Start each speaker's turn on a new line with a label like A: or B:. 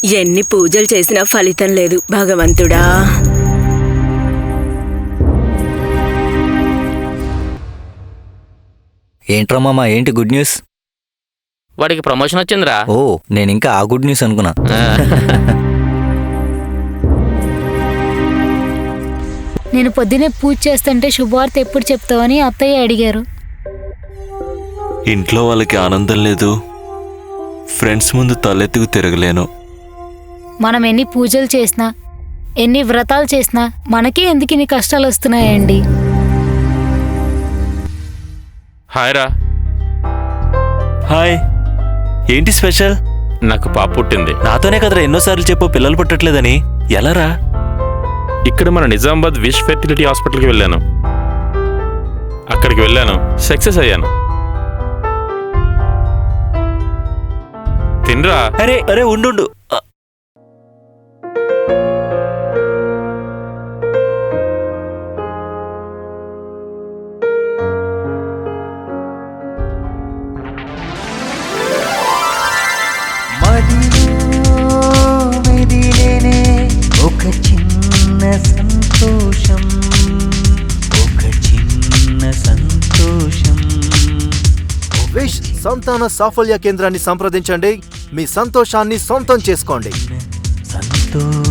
A: ఎన్ని పూజలు చేసినా ఫలితం లేదు భగవంతుడా.
B: ఏంట్రా మామ, ఏంటి గుడ్ న్యూస్?
C: వాడికి ప్రమోషన్ వచ్చిందిరా.
B: ఓ, నేనింకా ఆ గుడ్ న్యూస్ అనుకున్నా.
D: నేను పొద్దునే పూజ చేస్తుంటే శుభవార్త ఎప్పుడు చెప్తావని అత్తయ్య అడిగారు.
E: ఇంట్లో వాళ్ళకి ఆనందం లేదు, ఫ్రెండ్స్ ముందు తలెత్తుకు తిరగలేను.
D: మనం ఎన్ని పూజలు చేసినా, ఎన్ని వ్రతాలు చేసినా మనకే ఎందుకు ఇన్ని కష్టాలు వస్తున్నాయండి?
F: హాయ్ రా.
E: హాయ్, ఏంటి స్పెషల్?
F: నాకు పాప పుట్టింది.
E: నాతోనే కదరా ఎన్నోసార్లు చెప్పు పిల్లలు పుట్టట్లేదని. ఎలారా?
F: ఇక్కడ మన నిజామాబాద్ విష్ ఫెర్టిలిటీ హాస్పిటల్కి వెళ్ళాను. అక్కడికి వెళ్ళాను, సక్సెస్ అయ్యాను. తినరా.
E: అరే అరే ఉండు.
G: ఒక చిన్న సంతోషం, ఒక చిన్న సంతోషం.
H: విష్ సంతాన సాఫల్య కేంద్రాన్ని సంప్రదించండి. మీ సంతోషాన్ని సొంతం చేసుకోండి.
G: సంతోషం.